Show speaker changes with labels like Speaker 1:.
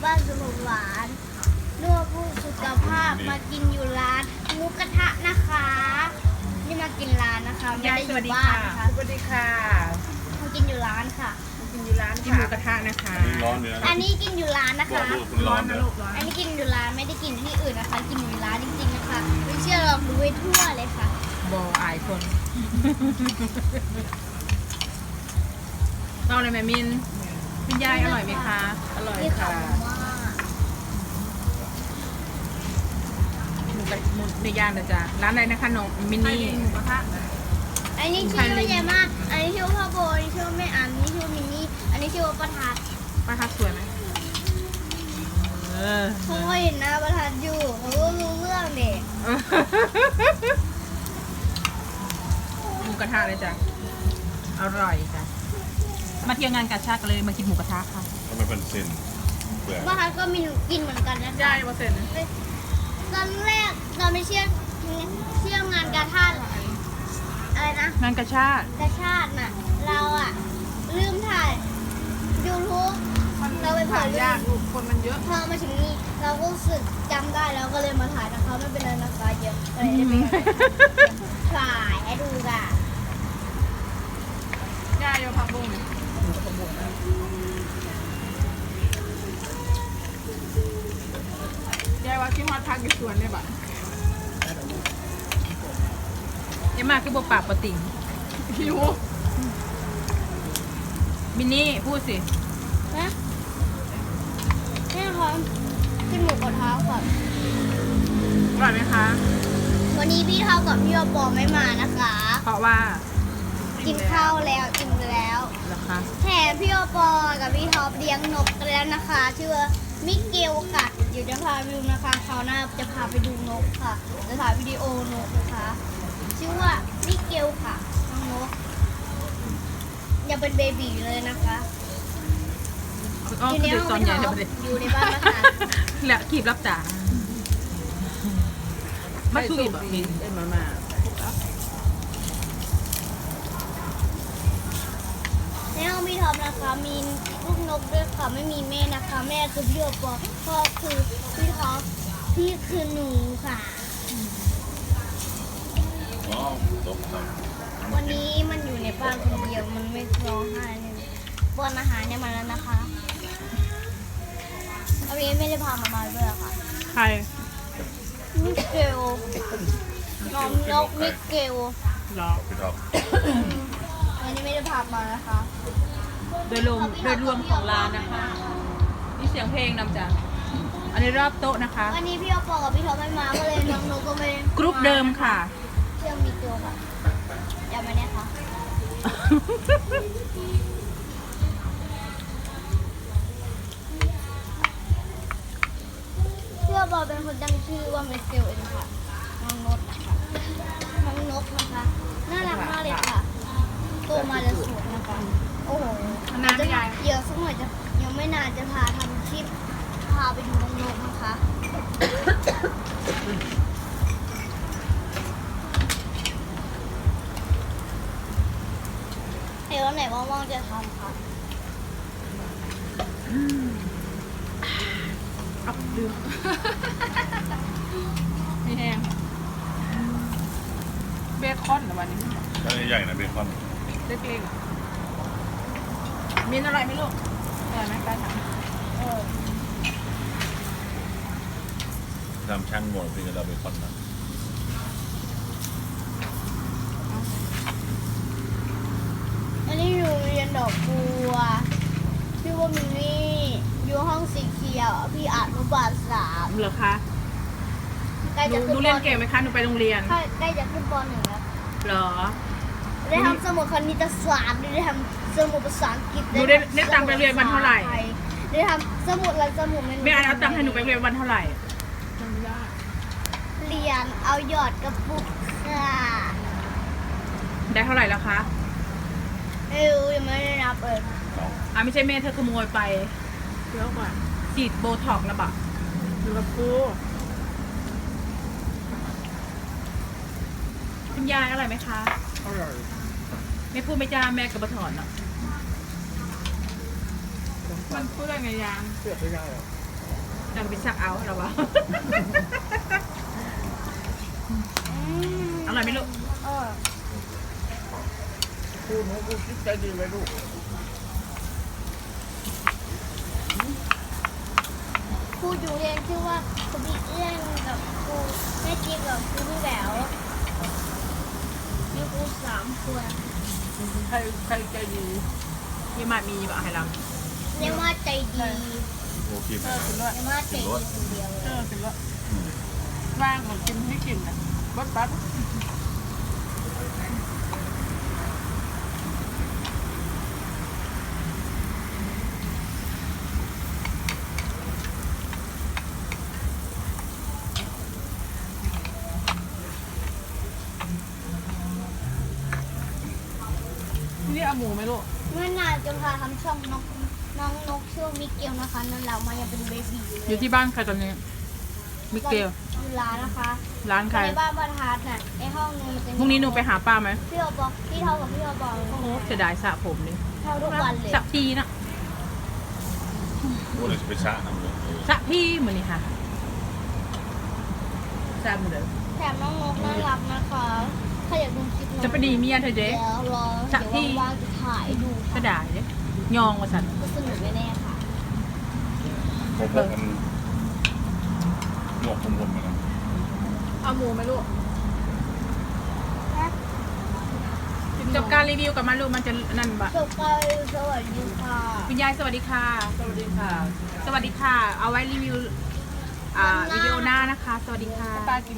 Speaker 1: บ้านสมุทรหวานนวดผู้สุขภาพมากินอยู่ร้านหมูกระทะนะคะนี่มากินร้านนะคะไม่ได้อยู่บ้านนะคะ
Speaker 2: สวัสดีค่ะ
Speaker 1: มากินอยู่ร้านค่ะ
Speaker 2: กินอยู่ร้านกินหมูกระทะนะคะ
Speaker 3: ร้อนเนื้อ
Speaker 1: อันนี้กินอยู่ร้านนะคะ
Speaker 2: ร้อนนะลูกร้อน
Speaker 1: อันนี้กินอยู่ร้านไม่ได้กินที่อื่นนะคะ กินอยู่ร้านจริงๆนะคะไม่เชื่อลองดูให้ทั่วเลยค่ะ
Speaker 2: บออายคนเอาอะไรแม่มินคุณยายอร่อยไหมคะ อร่อย
Speaker 1: นี่
Speaker 2: ค่ะ
Speaker 1: มาก
Speaker 2: หมูในย่านนะจ๊ะร้านอะไรนะคะน้องมินนี่หมูกระทะ
Speaker 1: อันนี้ชื่อว่าใหญ่มากอันนี้ชื่อว่าพ่อโบอันนี้ชื่อว่าแม่อันนี้ชื่อว่ามินนี่อันนี้ชื่อว่าประทัด
Speaker 2: ป้าทักสวยไหมเออ
Speaker 1: เขาก็เห็นหน้าประทัดอยู่เขาก็รู้เรื่องเด็ก
Speaker 2: หมูกระทะเลยจ้ะอร่อยจ้ะมาเที่ยวงานกาชาดกันเลยมากินหมูกระทะค่ะ
Speaker 3: ทำไมเป็นเส้นเปลือก
Speaker 1: ประทัดก็มีกินเหมือนกันนะคะ
Speaker 2: ได้เปอร์เซ็นต์
Speaker 1: ตอนแรกเราไม่เชื่องานกาชาดอะไรนะ
Speaker 2: งานกาชาด
Speaker 1: กาชาดน่ะเราอะลืมถ่าย YouTube เราไปเผย
Speaker 2: ยากลูกคนมันเยอะ
Speaker 1: พอมาถึงนี่เราก็รู้สึกจำได้แล้วก็เลยมาถ่ายนะคะไม่เป็นไรนะคะเยอะก็เลยได้ไปถ่ายให้ดูกัน
Speaker 2: ยายโยผักบุ้งยายว่าที่ฮอดพักอยู่สวนเนี่ยบ่ะเอ็มมาคือบ่ปากปะติ่งหิวมินนี่พูดสิ
Speaker 1: นะแม่คะกินหมูกระทะก่อน
Speaker 2: อร่อยไหมคะ
Speaker 1: วันนี้พี่เท่ากับพี่ปอไม่มานะคะ
Speaker 2: เพราะว่า
Speaker 1: กินข้าวแล้วกินแล้ว
Speaker 2: เหรอคะ
Speaker 1: แถมพี่ปอกับพี่ท็อปเลี้ยงนกกันแล้วนะคะชื่อว่ามิเกลค่ะเดี๋ยวจะพาไปดูนะคะคราวหน้าจะพาไปดูนกค่ะจะถ่ายวิดีโอนกนะคะชื่อว่ามิเกลค่ะน้องนกยังเป็นเบบีอยู่เลยนะคะ
Speaker 2: อ๋อ
Speaker 1: อยู่ใน
Speaker 2: คือ
Speaker 1: ห้อง
Speaker 2: ตอน
Speaker 1: พี่
Speaker 2: ใหญ่
Speaker 1: ท็
Speaker 2: จะ
Speaker 1: อป
Speaker 2: ไปเลย
Speaker 1: อยู่ในบ้านนะคะ
Speaker 2: แล้วขีบรับจ่ามาสู้อีกแบบนี้มา
Speaker 1: ในห้องพี่ท็อปนะคะมีลูกนกด้วยค่ะไม่มีแม่นะคะ แม่คือพี่ปอพ่อคือพี่ท็อปพี่คือหนูค่ะ
Speaker 3: อ๋อตกครับ
Speaker 1: วันนี้มันอยู่ในบ้านคนเดียวมันไม่ร้องไห้เลยป้อนอาหารเนี่ยมาแล้วนะคะเอาเองไม่ได้พามาด้วยอะค่ะ
Speaker 2: ใคร
Speaker 1: มิเกลน้องนกมิเกล
Speaker 2: หรอ
Speaker 3: พี่ท็อป
Speaker 1: วันนี้ไม่ได้พามานะคะ
Speaker 2: โดยรวมของร้านนะคะนี่เสียงเพลงนำจ้ะอันนี้รอบโต๊ะนะคะ
Speaker 1: วันนี้พี่ปอกับพี่ท็อปไม่มาก็เลยน้องนกก็ไม่
Speaker 2: กรุ๊ปเดิมค่ะ
Speaker 1: เชื่อมิเกลค่ะจำไว้เนี่ยค่ะเชื่อบอเป็นคนตั้งชื่อว่ามิเกลเองค่ะน้องนกนะคะน้องนกนะคะน่ารักมากเลยค่ะโตมาจะสวยนะคะโอ้โห
Speaker 2: นานไหมยาย
Speaker 1: เดี๋ยวสักหน่อยจะยังไม่นานจะพาทำคลิปพาไปดูน้องนกนะคะ เดี๋ยววันไหนว่างๆจะทำค่ะ
Speaker 2: เอาลืมไม่แห้งเบคอนเหรอวันนี้
Speaker 3: ถ้าใหญ่ๆนะเบคอน
Speaker 2: เล็กๆมินอร่อยไหมลูกอร่อยไหมการท
Speaker 3: ทำช่างหมดพี่จะเราเบคอนนะ
Speaker 1: อันนี้อยู่เรียนดอกบัวชื่อว่ามินนี่อยู่ห้องสีเขียวพี่อนุบาล3
Speaker 2: ำเหรอคะ
Speaker 1: ใกล้
Speaker 2: ห
Speaker 1: จะ
Speaker 2: นู
Speaker 1: ขึ้น
Speaker 2: เรียนเก่งไหมคะหนูไปโรงเรียน
Speaker 1: ใกล้จะขึ้นป .1 แล้ว
Speaker 2: เหรอ
Speaker 1: ได้ทำสมุดคณิตศาสตร์ได้ทำสมุดภาษาอังกฤษ
Speaker 2: หนูได้ตังค์ไปเรียนวันเท่าไหร่
Speaker 1: ได้ทำสมุดอะไรสมุด
Speaker 2: แม่อันเอาตังค์ให้หนูไปโรงเรียนวันเท่าไหร่
Speaker 1: เรียนเอาหยอดกระปุกค่ะ
Speaker 2: ได้เท่าไหร่แล้วคะ
Speaker 1: ไม่รู้ยังไม่ได้นับเลย
Speaker 2: อ่ะไม่ใช่แม่เธอขโมยไปเดี๋ยวก่อนฉีดโบท็อกซ์นะบะดูกับกูคุณยายอร่อยไหมคะอร่อยไม่พูดไม่จ้าแม่กับบะถอนอ่ะมันพูดอะไรไงยาง
Speaker 4: เสือกไม่ได้หรอ
Speaker 2: จะไปซักเอาหรอวะ อร่อยไหมลูก
Speaker 4: กูหนูกูคิดใจดีไว้ลูก
Speaker 1: ครูอยู่เรียนชื่อว่าครูบิ๊กเอื้อนกับครูแม่จิ๊บกับครูพี่แหววมีครู3 คน
Speaker 4: ใครใจดี
Speaker 2: ยี่มามีบอกให้เรา
Speaker 1: เรียกว่าใจดี
Speaker 3: โอเคไหม
Speaker 4: กินด้วย
Speaker 1: เรียกว่าใจดีคนเดียวเลย
Speaker 4: กินด้วยว่างของกินให้กินนะบัดนี่เอาหมูไหมลูก
Speaker 1: เมื่อนานจะพาทำช่องน้องนกชื่อมิเกลนะคะนั่นเรามายังเป็นเบบี
Speaker 2: อยู่ที่บ้านใครตอนนี้มิเกล
Speaker 1: อยู่ร้านนะคะ
Speaker 2: ร้านใคร
Speaker 1: ในบ้านประทัดน่ะในห้องนึงมันจะมี
Speaker 2: พรุ่งนี้หนูไปหาป้าไหม
Speaker 1: พี่เราบอกพี่เท่ากับพี่เราบอก
Speaker 2: โอ้โหเสียดายสระผมเลย
Speaker 1: เท่าทุกวันเลย
Speaker 2: สระพีนะ
Speaker 3: โอ้เลยจะไปชะน้ำเลย
Speaker 2: สระพีเหมือนนี่ค่ะสระเหมือนเดิม
Speaker 1: แถมน้องนกน่ารักนะคะถ้าอยากดูคลิปน้อง
Speaker 2: จะไปดีเมียเธอเจ๊
Speaker 1: เดี๋ยวรอ
Speaker 2: สักที
Speaker 1: เดี๋ยวว่างๆจะถ่ายดู
Speaker 2: ก็ได้เด้ยองว่าสัน
Speaker 1: ก็สนุกแน่ๆค่ะ
Speaker 3: ผมมันหมวกผมมันนะ
Speaker 4: เอาหมูไหมลูก
Speaker 2: จบการรีวิวกับมาลูกมันจะนั่นบะ
Speaker 1: จบไปสวัสดีค่ะ
Speaker 2: คุณยายสวัสดีค่ะ
Speaker 4: สวัสดีค่ะ
Speaker 2: สวัสดีค่ะ เอาไว้รีวิววิดีโอหน้านะคะ สวัสดีค่ะ
Speaker 4: ป้ากิน